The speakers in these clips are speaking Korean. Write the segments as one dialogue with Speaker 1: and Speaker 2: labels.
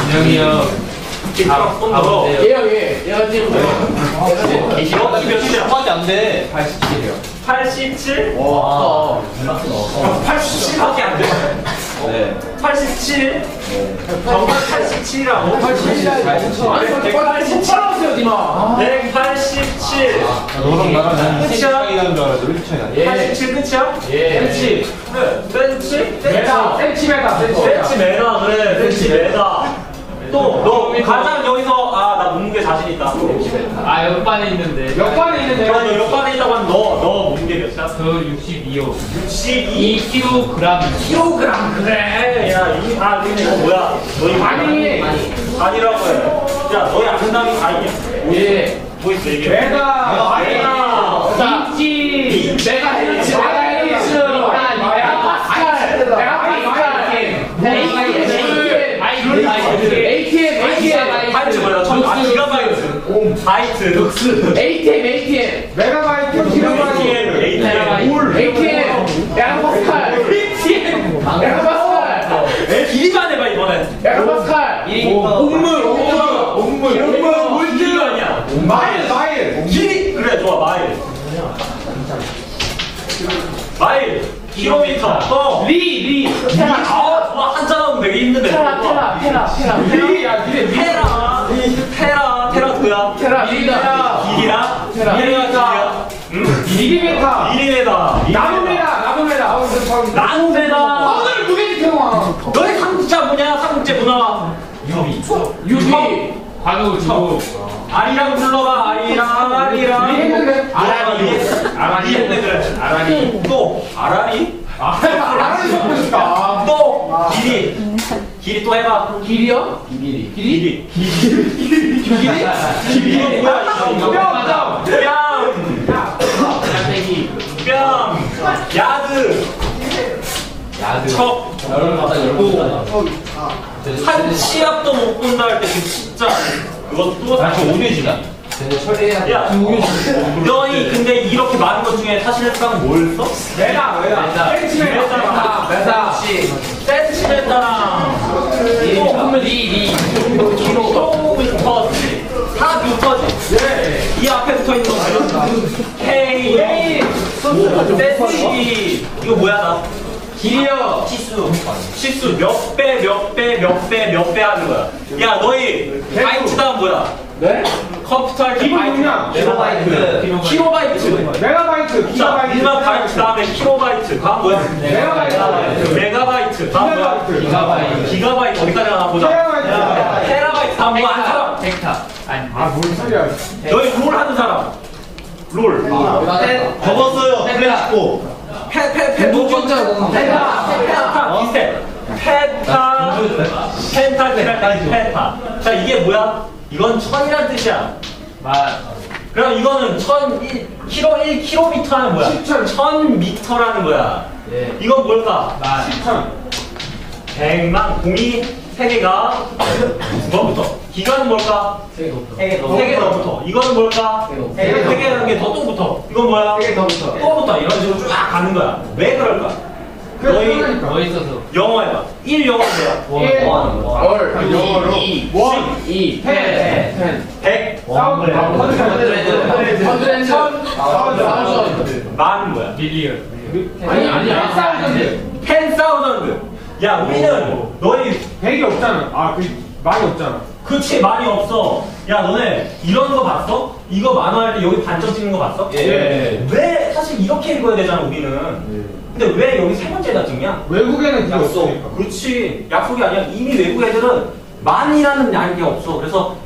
Speaker 1: 준영이 형.
Speaker 2: 얘가 지금
Speaker 3: 이거 몇이야?
Speaker 1: 한마디 안 돼.
Speaker 2: 87이요.
Speaker 3: 87?
Speaker 1: 와.
Speaker 3: 87밖에 안 돼.
Speaker 1: 네.
Speaker 3: 87? 정말 87이라고?
Speaker 2: 187이었어요, 니마.
Speaker 3: 187.
Speaker 1: 너랑 나랑
Speaker 3: 끝이야?
Speaker 1: 차이라는 줄 알았는데 왜 이렇게 차이가 나?
Speaker 3: 87 끝이야?
Speaker 2: 예.
Speaker 3: 센치. 그래. 센치?
Speaker 2: 센치메다.
Speaker 3: 센치메다. 그래. 센치메다. 또, 너 가장 여기서, 나 몸무게 자신 있다.
Speaker 1: 아 옆반에 있는데.
Speaker 2: 옆반에 있는데.
Speaker 3: 그럼 너 옆반에 있다고 하면 너 몸무게 몇이야?
Speaker 1: 저 62호.
Speaker 3: 62kg.
Speaker 1: 2kg.
Speaker 3: 그래. 야, 근데 이거 뭐야? 너희 아니라고 해. 야, 너희 아는 답이 아니야.
Speaker 2: 예.
Speaker 3: 뭐 있어, 이게?
Speaker 2: 메가.
Speaker 1: 인치.
Speaker 2: 메가 헬스. ATM.
Speaker 3: 바이트 뭐야? 기가바이트. 바이트.
Speaker 2: ATM. 메가바이트. 기가바이트. ATM. 메가파스칼. 메가파스칼.
Speaker 3: 길이만 해봐, 이번엔.
Speaker 2: 메가파스칼. 옴물.
Speaker 3: 길이 아니야.
Speaker 2: 마일.
Speaker 3: 길이. 그래, 좋아, 마일. 마일. 킬로미터. 또.
Speaker 2: 리.
Speaker 3: 좋아, 한자 나오면 되게 힘든데.
Speaker 2: 테라.
Speaker 3: 테라 누구야?
Speaker 2: 미리다.
Speaker 3: 길이야?
Speaker 2: 테라.
Speaker 3: 길이야?
Speaker 2: 미리메타.
Speaker 3: 미리메다. 나노메다.
Speaker 2: 오늘 무게지 태용아.
Speaker 3: 너의 삼국자 뭐냐? 삼국제 문화.
Speaker 2: 유비.
Speaker 1: 관우 저.
Speaker 3: 아리랑 불러봐. 아리랑. 아라리. 또 아라리?
Speaker 2: 아라리 먹고 싶다.
Speaker 3: 또 길이 또 해봐.
Speaker 2: 길이요?
Speaker 3: 길이. 이거 뭐야? 뺨. 야드. 척. 한 시합도 못 본다 할 때 진짜 그것도 사실
Speaker 1: 오류지나?
Speaker 3: 야, 너희 근데 이렇게 많은 것 중에 사실상 뭘 써?
Speaker 2: 메다.
Speaker 3: 센치메타랑 킬로미터지. 다 미터지. 이 앞에 붙어 있는 거 K. 센치. 이거 뭐야 나?
Speaker 2: 길이요.
Speaker 3: 치수 몇 배 하는 거야. 야, 너희 바이트 다음 뭐야?
Speaker 2: 네?
Speaker 3: 컴퓨터 할 때
Speaker 2: 기본
Speaker 3: 바이트.
Speaker 2: 용량.
Speaker 3: 킬로바이트.
Speaker 2: 메가바이트.
Speaker 3: 자, 일반 바이트 다음에 킬로바이트. 다음 뭐야? 메가바이트. 다음 뭐야? 기가바이트. 어디까지 가나 보자. 테라바이트. 다음 뭐 하는 사람?
Speaker 1: 벡터. 아니.
Speaker 2: 뭔 소리야.
Speaker 3: 너희 롤 하는 사람. 롤.
Speaker 1: 접었어요. 플래시고.
Speaker 3: 페타 비슷해. 페타. 자, 이게 뭐야? 이건 1000이란 뜻이야. 그럼 이거는 1km는 뭐야? 1000m라는 거야. 이건 뭘까? 100만 공이 3개가 뭐부터? 기간은 뭘까? 3개 더부터. 이거는 뭘까? 3개라는 게 더 또 붙어. 이건 뭐야? 3개 더 붙어. 또 붙어. 이런 식으로 쫙 가는 거야. 왜 그럴까? 너희
Speaker 1: 뭐 있어서?
Speaker 3: 영어 해봐. 1 영어 뭐야?
Speaker 2: 2
Speaker 3: 100 만 뭐야?
Speaker 1: 밀리언.
Speaker 2: 아니야.
Speaker 3: 10,000. 야, 우리는 너희
Speaker 2: 100이 없잖아. 많이 없잖아.
Speaker 3: 그치, 많이 없어. 야, 너네 이런 거 봤어? 이거 만화할 때 여기 반점 찍는 거 봤어? 왜 사실 이렇게 읽어야 되잖아, 우리는. 근데 왜 여기 세 번째다 찍냐?
Speaker 2: 외국에는 그게
Speaker 3: 약속.
Speaker 2: 없으니까.
Speaker 3: 그렇지. 약속이 아니야. 이미 외국 애들은 만이라는 양이 없어. 그래서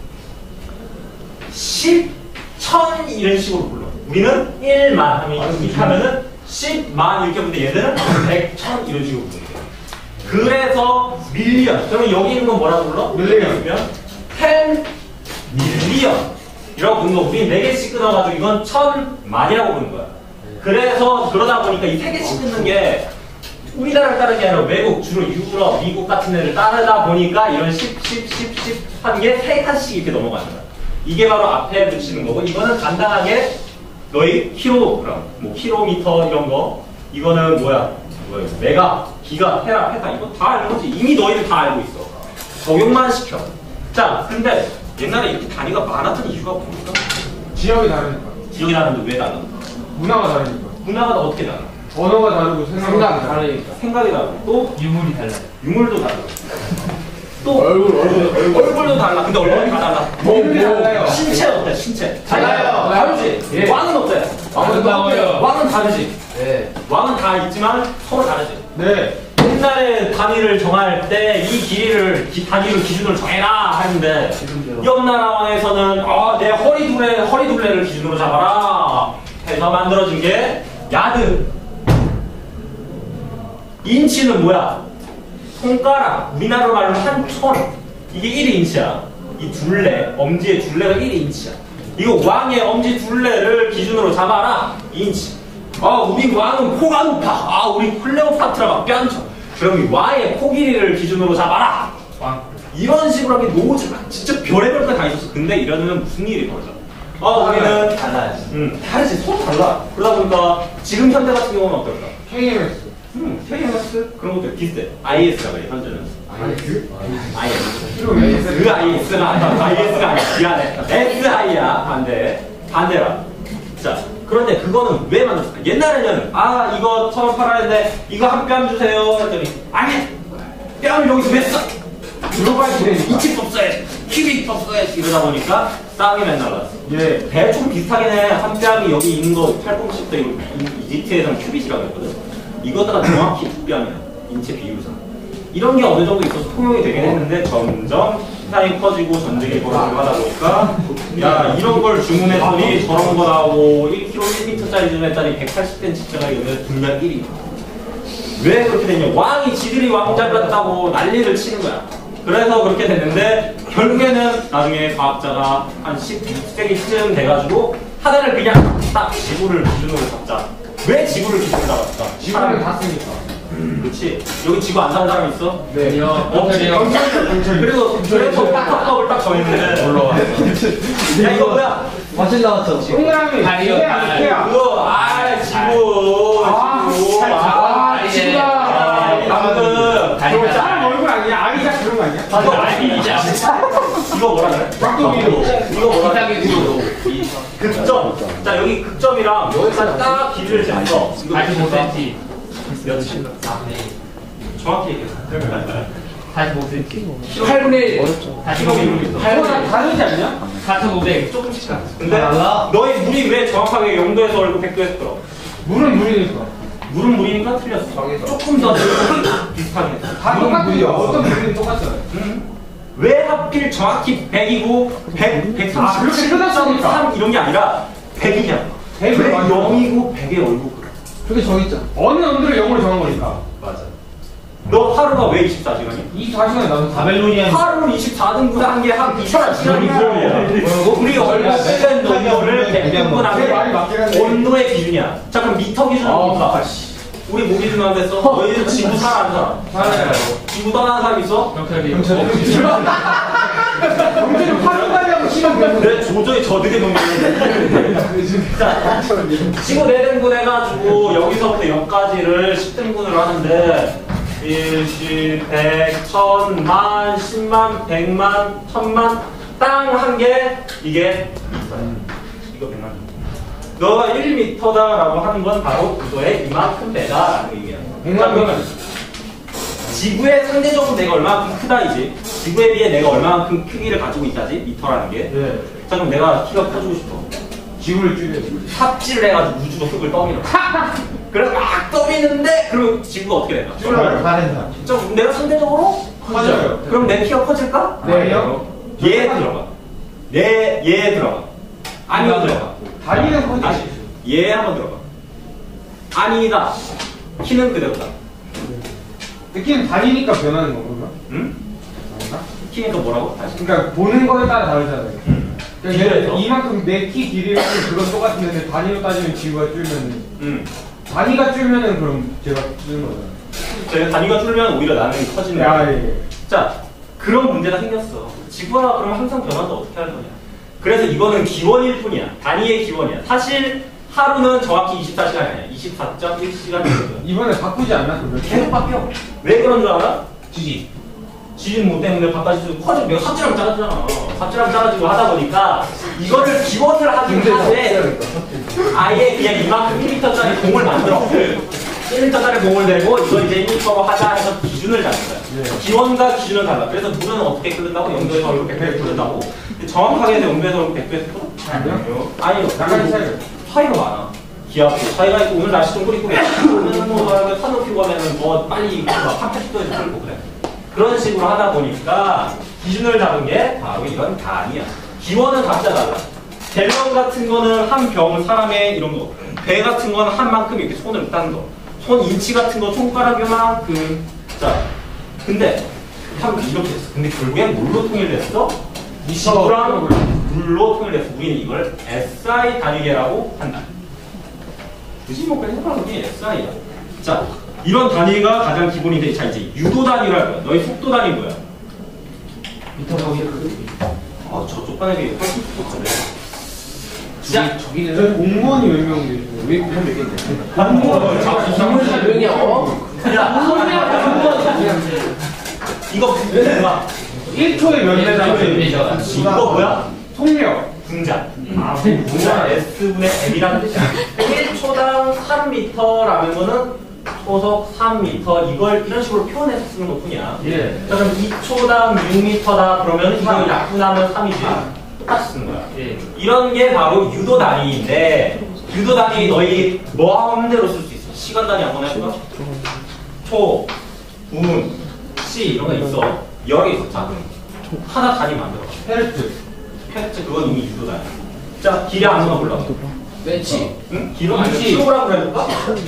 Speaker 3: 10, 1000 이런 식으로 불러. 우리는 1만 하면 이렇게 하면은 10만 이렇게 부르는데 얘들은 100, 1000 이런 식으로 부르는 거야. 그래서 밀리언. 그러면 여기 있는 건 뭐라고 불러?
Speaker 2: 밀리언.
Speaker 3: 10 밀리언 이라고 부르는 거. 우리 4개씩 끊어가지고 이건 1000만이라고 부르는 거야. 그래서 그러다 보니까 이 3개씩 끊는 게 우리나라를 따르는 게 아니라 외국, 주로 유럽, 미국 같은 애를 따르다 보니까 이런 10 하는 게 3칸씩 이렇게 넘어가는 거야. 이게 바로 앞에 붙이는 거고, 이거는 간단하게 너희 킬로그램, 뭐 킬로미터 이런 거, 이거는 뭐야? 메가, 기가, 테라, 페타 이거 다 알는 거지. 이미 너희들 다 알고 있어. 적용만 시켜. 자, 근데 옛날에 이렇게 단위가 많았던 이유가 뭡니까?
Speaker 2: 지역이 다르니까.
Speaker 3: 지역이 다른데 왜 달라?
Speaker 2: 문화가 다르니까.
Speaker 3: 문화가 어떻게 달라?
Speaker 2: 언어가 다르고 생각이 다르니까.
Speaker 3: 생각이 다르고 또
Speaker 1: 유물이 달라요.
Speaker 3: 유물도 달라. 또 얼굴도 달라. 근데 얼굴이 다 달라.
Speaker 2: 몸이 달라요.
Speaker 3: 신체 어때? 신체
Speaker 1: 달라요.
Speaker 3: 다르지.
Speaker 1: 예.
Speaker 3: 왕은 어때?
Speaker 1: 아름다워요.
Speaker 3: 왕은 다르지.
Speaker 1: 네.
Speaker 3: 왕은 다 있지만 서로 다르지.
Speaker 2: 네.
Speaker 3: 옛날에 단위를 정할 때 이 길이를 단위를 기준으로 정해라 하는데 옆나라 왕에서는 내 허리둘레를 기준으로 잡아라 해서 만들어진 게 야드. 인치는 뭐야? 손가락. 우리나라 말로 한 천. 이게 1인치야. 이 둘레, 엄지의 둘레가 1인치야. 이거 왕의 엄지 둘레를 기준으로 잡아라. 2인치. 우리 왕은 코가 높아. 우리 클레오파트라가 뺨쳐. 그럼 이 왕의 코 길이를 기준으로 잡아라.
Speaker 1: 왕.
Speaker 3: 이런 식으로 하면 노즈가 진짜 별의별 거 다 있었어. 근데 이러면 무슨 일이 벌어져? 우리는
Speaker 1: 달라요.
Speaker 3: 다르지. 서로 달라. 그러다 보니까 지금 현대 같은 경우는 어떨까?
Speaker 2: KMS.
Speaker 3: KMS 그런 것들 비슷해. IS라고 해 현재는.
Speaker 2: 그리고
Speaker 3: IS가 아니야. 미안해. SI야. 반대라. 자, 그런데 그거는 왜 만들었을까? 옛날에는 이거 처음 팔아야 되는데 이거 한 뺨 주세요 했더니 아니 뺨을 여기서 왜 써?
Speaker 2: 글로벌 시대니까.
Speaker 3: 인치법 써야지, 큐빅법 써야지 이러다 보니까 싸움이 맨날 났어.
Speaker 2: 예.
Speaker 3: 대충 비슷하긴 해. 한 뺨이 여기 있는 거 팔꿈치부터 이집트에서는 큐빗이라고 했거든. 이거다가 정확히 두 뺨이야. 인체 비율상. 이런 게 어느 정도 있어서 통용이 되긴 했는데 점점 시장이 커지고 전쟁이 벌어지고 하다 보니까 이런 걸 주문했더니 저런 거 나오고 1kg 1m짜리 주문했더니 180cm짜리 이러면 분량 1위. 왜 그렇게 됐냐? 왕이 지들이 왕 잘랐다고 난리를 치는 거야. 그래서 그렇게 됐는데 결국에는 나중에 과학자가 한 16세기쯤 돼가지고 하나를 그냥 딱 지구를 기준으로 잡자. 왜 지구를 기준으로 잡았을까?
Speaker 2: 지구를 다 쓰니까.
Speaker 3: 그렇지. 여기 지구 안 사는 사람 있어?
Speaker 2: 네.
Speaker 3: 없지. 그래서 폭탄법을 딱 정했는데 올라와. 야 이거 뭐야?
Speaker 1: 마실 나왔어.
Speaker 2: 동그라미.
Speaker 1: 다리요.
Speaker 2: 이케아.
Speaker 3: 그거 지구.
Speaker 2: 지구다.
Speaker 3: 방금
Speaker 2: 그거 사람 얼굴 아니야? 아기자 그런 거 아니야?
Speaker 3: 이거 아니냐? 이거 뭐라 그래?
Speaker 2: 깍두기로.
Speaker 3: 이거 뭐라 그래?
Speaker 1: 기타기로.
Speaker 3: 극점. 자 여기 극점이랑 여기까지 딱 길이를 쟀어.
Speaker 1: 45cm.
Speaker 3: 몇치? 정확히 얘기해.
Speaker 1: 45cm. 8분의 1. 45mm.
Speaker 2: 그거랑 다르지 않냐?
Speaker 1: 4,500. 조금씩 가.
Speaker 3: 근데 너희 물이 왜 정확하게 0도에서 얼고 100도에서 끓어?
Speaker 2: 물은 물이니까.
Speaker 3: 물은 물이니까 틀렸어. 조금 더 늘고 비슷하게 했어.
Speaker 2: 다 똑같아요. 어떤 물이든 똑같잖아요.
Speaker 3: 왜 하필 정확히 100이고 100, 137,
Speaker 2: 그렇게 끝났으니까.
Speaker 3: 3 이런 게 아니라 100이냐? 왜
Speaker 2: 100을 맞아.
Speaker 3: 0이고 100에 얼고 그래?
Speaker 1: 그게 저 있잖아.
Speaker 2: 어느 nom들을 0으로 정한 거니까.
Speaker 3: 맞아. 너 하루가 왜 24시간이야?
Speaker 2: 24시간에 나도
Speaker 1: 바벨로니안.
Speaker 3: 하루는 24등분 한 게 한 24시간이고 우리 얼마 시간 농도를 100등분
Speaker 2: 제 말이
Speaker 3: 한
Speaker 2: 맞긴
Speaker 3: 게
Speaker 2: 한데.
Speaker 3: 온도의 기준이야. 자 그럼 미터 기준은 뭡니까? 우리 뭐 기준 안 됐어? 너희들 지구 살아는 사람?
Speaker 2: 살아요.
Speaker 3: 지구 떠나는 사람 있어?
Speaker 1: 경찰이.
Speaker 2: 경제를 파는다고 치면 되는데.
Speaker 3: 내 조조에 저득에 놓는 자, 지구 4등분 해가지고 여기서부터 여기까지를 10등분으로 하는데 1, 10, 100, 1000, 만, 10만, 100만, 1000만 땅 한 개 이게 이거 100만 너가 1m다라고 하는 건 바로 구도의 이만큼 되다라는 얘기야.
Speaker 2: 100만
Speaker 3: 지구의 상대적으로 내가 얼마만큼 크다이지. 지구에 비해 내가 얼마만큼 크기를 가지고 있다지. 미터라는 게.
Speaker 2: 예.
Speaker 3: 자 그럼 내가 키가 커지고 싶어.
Speaker 2: 지구를 줄여야지.
Speaker 3: 삽질을 해가지고 우주로 흙을 떠밀어. 그래 막 떠미는데 그럼 지구가 어떻게 될까?
Speaker 2: 줄여요.
Speaker 3: 진짜 내가 상대적으로
Speaker 2: 커져요.
Speaker 3: 그럼 내 키가 커질까?
Speaker 2: 네요.
Speaker 3: 얘 들어가. 얘 들어가. 아니 들어가.
Speaker 2: 다리는 커지지.
Speaker 3: 다시 얘 한번 들어가. 아니다. 키는 그대로다.
Speaker 2: 느낌은 다리니까 변하는 거구나.
Speaker 3: 응?
Speaker 2: 아닌가?
Speaker 3: 키니까 뭐라고? 다시.
Speaker 2: 그러니까 보는 거에 따라 다르잖아요. 그러니까
Speaker 3: 비례해서.
Speaker 2: 이만큼 내 키 길이는 그건 똑같은데 단위로 따지면 지구가 줄면
Speaker 3: 응.
Speaker 2: 단위가 줄면은 그럼 제가 줄는 거잖아요.
Speaker 3: 제가 단위가 줄면 오히려 나는 커지는
Speaker 2: 아,
Speaker 3: 거야.
Speaker 2: 예.
Speaker 3: 자, 그런 문제가 생겼어. 지구가 그럼 항상 변한다 어떻게 하는 거냐? 그래서 이거는 기원일 뿐이야. 단위의 기원이야. 사실 하루는 정확히 24시간이 아니야. 24.1시간이거든.
Speaker 2: 이번에 바꾸지 않나 그러면?
Speaker 3: 계속 바뀌어. 왜 그런 줄 알아?
Speaker 1: 지지.
Speaker 3: 지진 뭐 때문에 바깥에서 커지고 내가 삽질하면 작아지잖아. 삽질하면 작아지고 하다 보니까 이거를 기원을 하긴 하는데 아예 그냥 이만큼 1m짜리 공을 만들어. 1m짜리 공을 내고 이거 이제 1m로 하자 해서 기준을 잡는 거야. 기원과 기준은 달라. 그래서 물은 어떻게 끓는다고? 0도에서 이렇게 100도에 끓는다고. 근데 정확하게 0도에서 100도에서 끓어?
Speaker 2: 아니요?
Speaker 3: 아니요.
Speaker 2: 약간
Speaker 3: 차이가 많아. 기압 차이가 있고 오늘 날씨 좀 꾸리꾸리 오늘은 뭐 산 높이고 하면은 뭐 빨리 막 80도에서 끓고 그래. 그런 식으로 하다 보니까 기준을 잡은 게 바로 이건 단이야. 기원은 각자 달라. 갤런 같은 거는 한 병 사람의 이런 거. 배 같은 거는 한 만큼 이렇게 손을 딴 거. 손 인치 같은 거 손가락 요만큼. 자, 근데 한 이렇게 했어. 근데 결국엔 뭘로 통일됐어? 지구랑 물로 통일됐어. 우리는 이걸 SI 단위계라고 한다. 굳이 뭐 그냥 해봐도 그게 SI야. 자, 이런 단위가 가장 기본인데, 자 이제 유도 단위로 할 거야. 너희 속도 단위 뭐야?
Speaker 1: 미터 거기
Speaker 3: 아, 저쪽 반에 훨씬 똑똑하네.
Speaker 1: 자,
Speaker 2: 저희 공무원이 몇 명인데 왜 그냥 몇 개인데?
Speaker 3: 공무원.
Speaker 1: 기분이 명이야.
Speaker 3: 이거 뭐야?
Speaker 2: 1초에 몇 대잖아.
Speaker 3: 이거 뭐야?
Speaker 2: 속력.
Speaker 3: 분자. 분자 S분의 M이라는 뜻이야. 1초당 3m라는 거는 초속 3m 이걸 이런 식으로 표현해서 쓰는 것 뿐이야.
Speaker 1: 예.
Speaker 3: 자, 그럼 2초당 6m다 그러면 이걸 약분하면 3이지. 똑같이 쓰는 거야.
Speaker 1: 예.
Speaker 3: 이런 게 바로 유도 단위인데 유도 단위 너희 뭐 하는 대로 쓸 수 있어. 시간 단위 한번 해볼까? 초, 분, 시 이런 거 있어. 여러 개 있어. 자, 그럼 하나 단위 만들어.
Speaker 2: 헬트.
Speaker 3: 팩트 그건 이미 유도 단위. 자, 기량 한번 골라.
Speaker 1: 벤치.
Speaker 3: 응? 기록 아니면 킬로그램으로 해볼까?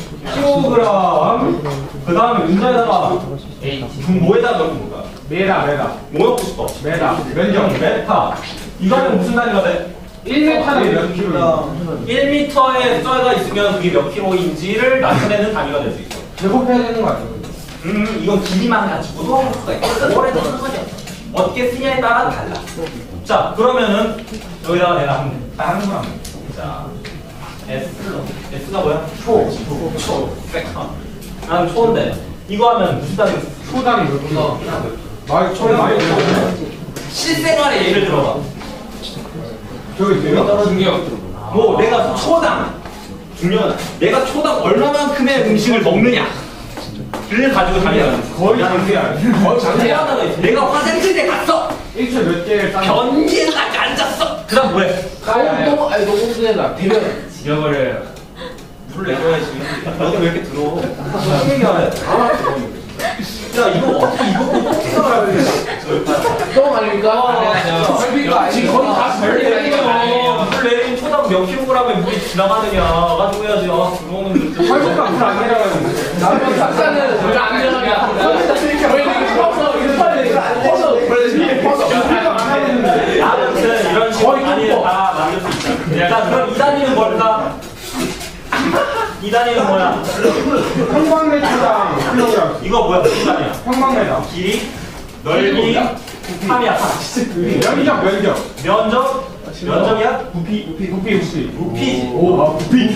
Speaker 3: 그 다음에 문자에다가 뭐에다 넣는 거야?
Speaker 2: 메다.
Speaker 3: 뭐 넣고 싶어?
Speaker 2: 메다.
Speaker 3: 면적, 메타. 이거 하면 무슨 단위가 돼?
Speaker 2: 1m당 몇 킬로?
Speaker 3: 1m의 숫자가 있으면 그게 몇 킬로인지를 나타내는 단위가 될 수 있어.
Speaker 2: 제곱해야 되는 거 아니야?
Speaker 3: 이건 길이만 가지고도 할 수가 있어. 뭐래도 상관이 없어. 어떻게 쓰냐에 따라 달라. 자, 그러면은 여기다가 내가 다른 거 하면 돼. 자, S가 뭐야? 초. 벡터. 나는 초인데 이거 하면 무슨 단위?
Speaker 2: 초당 몇 킬로? 초에 많이
Speaker 3: 실생활에 예를 들어봐.
Speaker 2: 저기 있어요?
Speaker 1: 중력.
Speaker 3: 뭐 내가 초당 중요한 내가 초당 얼마만큼의 음식을 먹느냐 를 가지고 다니는
Speaker 2: 거의 장비야. 거의 장비야.
Speaker 3: 하나가 있어. 내가 화장실에 갔어.
Speaker 2: 1초에 몇 개를 쌓는
Speaker 3: 변기에 딱 앉았어. 그다음 뭐해?
Speaker 1: 노공대나 대변.
Speaker 3: 지겨버려. 물을 내줘야지. 너도 왜 이렇게 들어? 무슨 얘기하래? 야 이거 어떻게 이거 어떻게 생각을 해?
Speaker 1: 똥 아닙니까? 지금 거의 다 별리가
Speaker 3: 물 내린 초당 몇 킬로그램의 물이 지나가느냐 가지고 해야지. 아 들어오는 물.
Speaker 2: 설국가 물안 내려가는
Speaker 1: 남편 작가는 왜 안 들어가냐? 저희는 퍼서
Speaker 3: 아무튼 이런 식으로 단위를 다 만들 수 있다. 자 그럼 이 단위는 뭘까? 이 단위는 뭐야?
Speaker 2: 평방메타당 킬로그램.
Speaker 3: 이거 뭐야? 무슨 단위야?
Speaker 2: 평방메타.
Speaker 3: 길이, 넓이, 탐이야.
Speaker 2: 면적.
Speaker 3: 면적이야?
Speaker 2: 부피.
Speaker 3: 부피지.
Speaker 2: 오, 부피.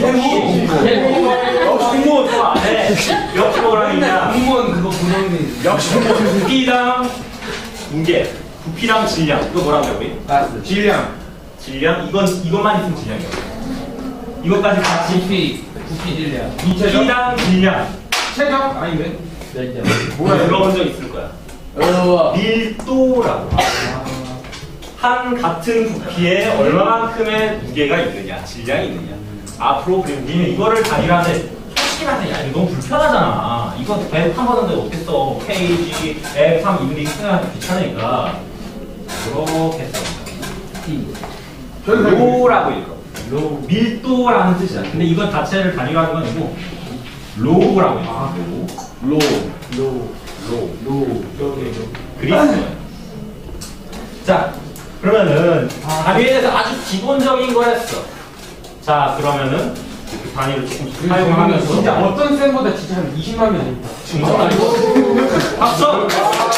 Speaker 3: 중무 좋아. 네. 몇 킬로그램이냐?
Speaker 1: 공무원 그거 구멍이.
Speaker 3: 역시 부피당 무게, 부피당 질량. 이거 뭐라고 해 우리?
Speaker 1: 가스.
Speaker 2: 질량.
Speaker 3: 질량? 이것만 있으면 질량이야. 이것까지 같이
Speaker 1: 부피 질량.
Speaker 2: 이체적.
Speaker 3: 부피당 질량.
Speaker 2: 체적? 아닌데?
Speaker 1: 면적.
Speaker 3: 뭐야? 들어본 적 있을 거야. 밀도라고. 한 같은 부피에 얼마만큼의 무게가 있느냐, 질량이 있느냐. 앞으로 그리고 우리는 이거를 단위로 하는데 솔직히 말해, 야 이거 너무 불편하잖아. 이거 계속 한 번인데 어떻겠어? kg, f3 이런 게 생각하기 귀찮으니까 이렇게 써. 로라고 읽어. 로 밀도라는 뜻이야. 근데 이건 자체를 단위로 하는 건 아니고 로라고 읽어. 그리스어예요. 자, 그러면은 단위에 대해서 아주 기본적인 걸 했어. 자, 그러면은 그 단위를 조금 사용하면서
Speaker 2: 진짜 어떤 쌤보다 진짜 한 20만 명 됩니다.
Speaker 3: 증거 아니고 박수!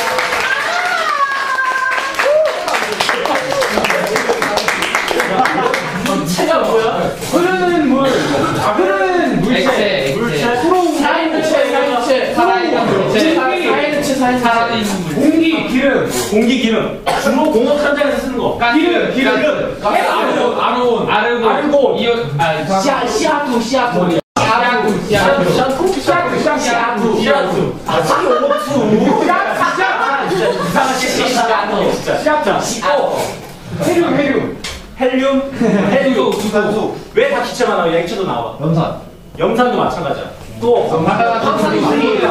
Speaker 3: 체가 뭐야?
Speaker 2: 흐르는 물. 흐르는 물체.
Speaker 1: 살아있는 체, 살아있는 물. 공기,
Speaker 2: 공기, 기름.
Speaker 3: 공기 기능. 주로 공업 현장에서 쓰는 거. 기름. 아르곤.
Speaker 1: 시아토.
Speaker 3: CO2. 헬륨.
Speaker 2: 수산소.
Speaker 3: 왜 다 기체만 나와? 액체도 나와. 염산도 마찬가지야. 또
Speaker 1: 황산수리.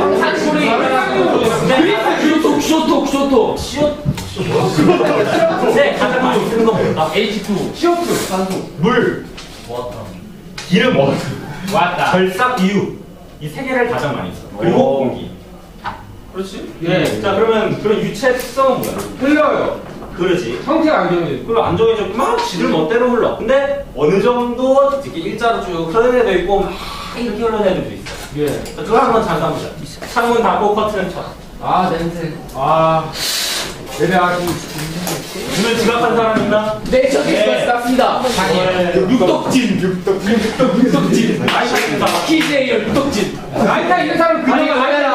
Speaker 3: 네, 가장 많이 쓰는 건 뭘까?
Speaker 1: H2.
Speaker 2: CO2. 산소.
Speaker 3: 물, 기름,
Speaker 1: 왔다.
Speaker 3: 결삭유. 이 세 개를 가장 많이 써. 그리고 공기. 그렇지?
Speaker 1: 예.
Speaker 3: 자, 그러면 그런 유체 특성은 뭐야?
Speaker 2: 흘러요.
Speaker 3: 그러지.
Speaker 2: 형태가 안 정해져.
Speaker 3: 그리고 안 정해졌구만 지들 멋대로 흘러. 근데 어느 정도 이렇게 일자로 쭉 흐르는 애도 있고 막 이렇게 흐르는 애들도 있어.
Speaker 2: 예.
Speaker 3: 자, 그거 한번 잠깐 보자. 창문 닫고 커튼 쳐.
Speaker 2: 아, 냄새. 아. 내려가기.
Speaker 3: 오늘 지각한 사람 있나?
Speaker 1: 네, 저기 있습니다.
Speaker 2: 육덕진.
Speaker 3: 아이샤입니다.
Speaker 1: 키제이어 육덕진.
Speaker 2: 나이가 있는 사람 그냥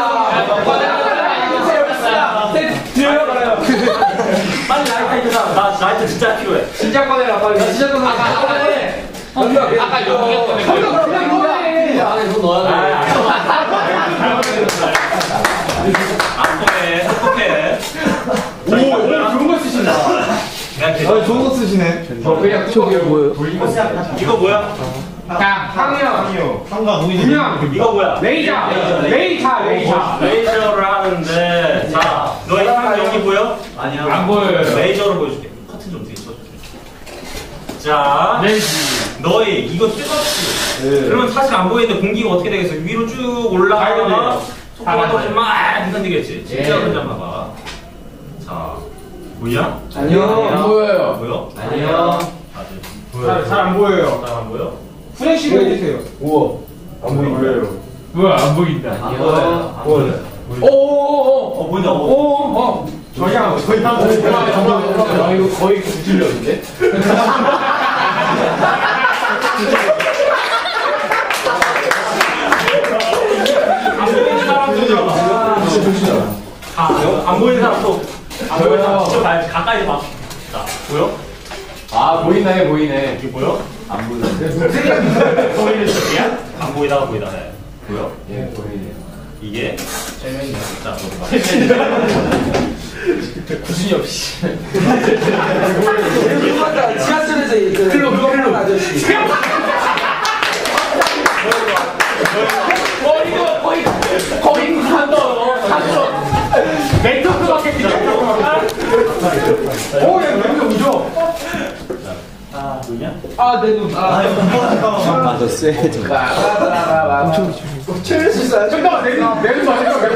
Speaker 3: 빨리 라이터 있는 사람. 나 라이터 진짜 필요해.
Speaker 2: 진짜 꺼내라 빨리. 진짜 꺼내라.
Speaker 1: 아까 여기
Speaker 2: 그냥 꺼내.
Speaker 1: 안에 손 넣어야 돼.
Speaker 3: 똑똑해.
Speaker 2: 오, 좋은 거 쓰신다. 좋은 거 쓰시네. 그냥 저게 뭐예요?
Speaker 3: 이거 뭐야?
Speaker 2: 항이요. 그냥
Speaker 3: 이거 뭐야? 레이저를 하는데, 자, 너의 향 여기 보여?
Speaker 1: 아니야. 안 보여요.
Speaker 3: 레이저로 보여줄게. 커튼 좀 뒤에 쳐줘. 자, 너희 이거 뜨겁지?
Speaker 2: 네.
Speaker 3: 그러면 사실 안 보이는데 공기가 어떻게 되겠어? 위로 쭉 올라가다가 속도가 떨어지면 막 흔들리겠지? 진짜 그냥 봐봐. 자, 보이냐?
Speaker 2: 아니요.
Speaker 1: 안 보여요.
Speaker 3: 보여?
Speaker 1: 아니요.
Speaker 2: 잘 안 보여요.
Speaker 3: 잘 안 보여?
Speaker 2: 후레쉬로 해주세요.
Speaker 1: 우와.
Speaker 2: 안 보여요.
Speaker 4: 뭐야 안 보인다.
Speaker 1: 아니요.
Speaker 3: 오, 보인다. 오.
Speaker 2: 저희랑
Speaker 1: 이거 거의 구질력인데?
Speaker 3: 안 보이는 사람 또. 안 보이는 사람 진짜 봐야지. 가까이 봐. 자, 보여?
Speaker 1: 아, 보이네.
Speaker 3: 이게 보여?
Speaker 1: 안 보이는데?
Speaker 3: 보이는 쪽이야? 안 보이다가 보이다 해. 보여?
Speaker 1: 예, 보이네요.
Speaker 3: 이게?
Speaker 1: 재밌네.
Speaker 3: 자, 너도 봐.
Speaker 1: 구준이 없이.
Speaker 2: 지하철에서 클로 아저씨.
Speaker 1: 거의 한도 멘토크밖에
Speaker 2: 오, 얘 냄새 오죠?
Speaker 3: 아, 누구냐?
Speaker 2: 내 눈.
Speaker 5: 맞아 쎄
Speaker 2: 채울 수 있어요. 잠깐만, 내 눈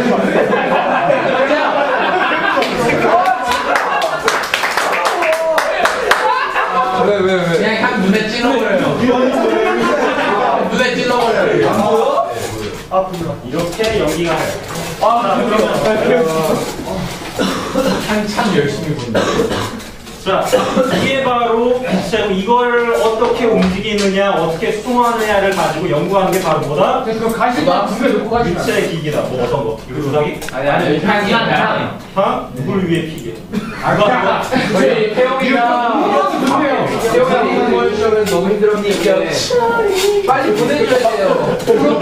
Speaker 2: 왜?
Speaker 1: 그냥 한 눈에 찔러버려요. 눈에 찔러버려요.
Speaker 3: 이렇게 연기가 해.
Speaker 1: 참 열심히 본다.
Speaker 3: 자, 이게 바로 이걸 어떻게 움직이느냐, 어떻게 수동하느냐를 가지고 연구하는 게 바로 뭐다?
Speaker 2: 그 가시만 두개 놓고 가시면.
Speaker 3: 유체 기기다. 뭐 어떤 거? 이거 조사기?
Speaker 1: 아니, 향.
Speaker 3: 하? 누굴 위해 피게?
Speaker 1: 저희 태용이가 태용이 보여주면 너무 힘들었는데 빨리 보내줘야 돼요.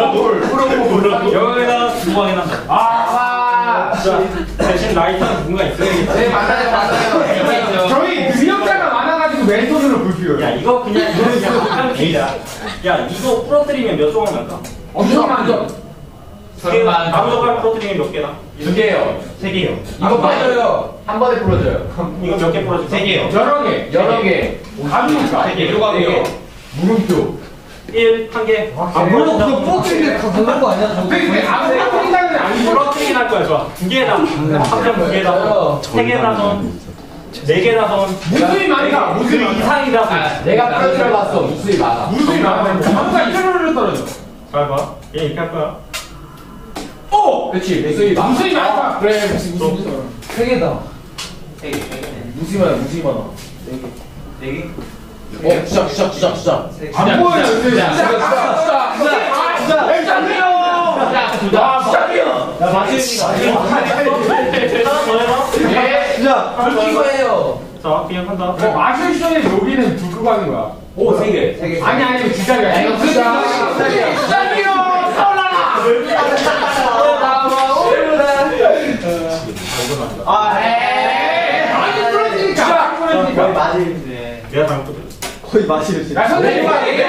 Speaker 3: 여기다 두 방에 난다. 자, 대신 라이터는 누군가 있어야겠다.
Speaker 1: 네, 맞아요.
Speaker 2: 저희 능력자가 많아가지고 왼손으로 불
Speaker 3: 야, 이거 그냥 한 피야. 야, 이거 부러뜨리면 몇 조각 날까?
Speaker 2: 엄청 많죠?
Speaker 3: 나무 젓갈 부러뜨리면 몇 개나?
Speaker 1: 두 개요.
Speaker 3: 세 개요.
Speaker 1: 이거 빠져요. 한 번에 풀어줘요.
Speaker 3: 이거 몇 개 부러질까? 세 개요.
Speaker 1: 여러 개.
Speaker 2: 감이니까.
Speaker 3: 세 개. 조각이요.
Speaker 1: 물음표.
Speaker 3: 1, 한 개.
Speaker 2: 안 부러졌어. 부러뜨리는데 가는 거 아니야? 근데 아무 부러뜨린다는 아니고.
Speaker 3: 부러뜨리긴 할 거야, 좋아. 두 개다. 합점 두 개다. 세 개다 선. 네 개다 선.
Speaker 2: 무수히 많다. 무수히 많다.
Speaker 3: 이상이다.
Speaker 1: 내가 풀어들어봤어. 무수히 많아.
Speaker 2: 무수히 많아. 아무가 이대로 떨어져.
Speaker 3: 잘 봐. 얘 이렇게 할 거야.
Speaker 2: 오!
Speaker 1: 그렇지. 무수히 많아.
Speaker 2: 무수히 많다.
Speaker 1: 그래, 무수히 많아. 세 개다. 세 개. 무수히 많아. 무수히 많아. 네 개. 주자.
Speaker 2: 안 보여요.
Speaker 1: 주자.
Speaker 2: 안 돼요.
Speaker 1: 야, 맞으니까.
Speaker 3: 더 해봐.
Speaker 1: 예.
Speaker 2: 자,
Speaker 3: 하나 더 해봐.
Speaker 1: 이거예요.
Speaker 3: 자, 그냥 한다.
Speaker 2: 마술 쇼에 여기는 불 끄고 하는 거야.
Speaker 3: 오, 3개.
Speaker 2: 아니, 이거 주자리야. 이거 주자리야. 주자리요! 사올라라!
Speaker 1: 아, 에이.
Speaker 2: 많이 부러지니까.
Speaker 1: 거의 맞을인데.
Speaker 3: 내가 잘못 들었어.
Speaker 5: 거의 마시겠어요.
Speaker 2: 야, 선생님,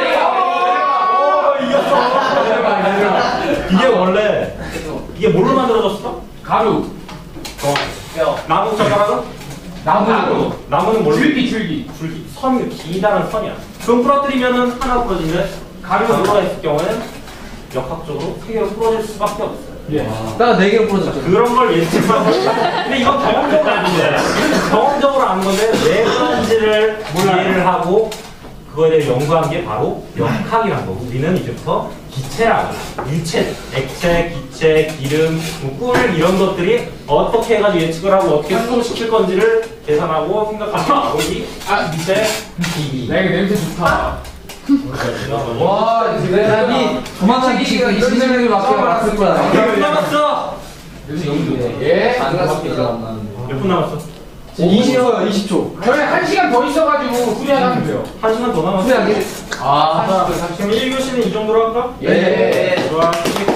Speaker 3: 이게 원래 이게 뭘로 만들어졌어?
Speaker 2: 가루.
Speaker 3: 나무 젓가락은?
Speaker 2: 나무.
Speaker 3: 나무는 뭘로?
Speaker 2: 줄기.
Speaker 3: 선, 기다란 선이야. 그럼 부러뜨리면은 하나 부러지는데 가루가 있을 경우에는 역학적으로 3개로 부러질 수밖에 없어요.
Speaker 2: 예.
Speaker 1: 나 4개로 부러졌죠.
Speaker 3: 그런 걸 예측하고 근데 이건 경험적으로 아는데 경험적으로 아는 건데 왜 그런지를 이해를 하고 그거에 대해 연구한 게 바로 역학이란 거고 우리는 이제부터 기체라고 유체, 액체, 기체, 기름, 뭐 꿀 이런 것들이 어떻게 해가지고 예측을 하고 어떻게 수동시킬 건지를 계산하고 생각하는 거고 이 기체, 기기
Speaker 2: 야, 이거 냄새 좋다.
Speaker 1: 와, 이 조만간 기계가 20년을 맡을 거야.
Speaker 3: 몇 분 남았어?
Speaker 2: 예.
Speaker 3: 몇 분 남았어?
Speaker 1: 20초요, 20초.
Speaker 2: 저희 1시간 더 있어가지고 후리하면 돼요.
Speaker 3: 1시간 더 남았어.
Speaker 1: 후회하게?
Speaker 3: 그럼 1교시는 이 정도로 할까?
Speaker 1: 예.
Speaker 3: 좋아.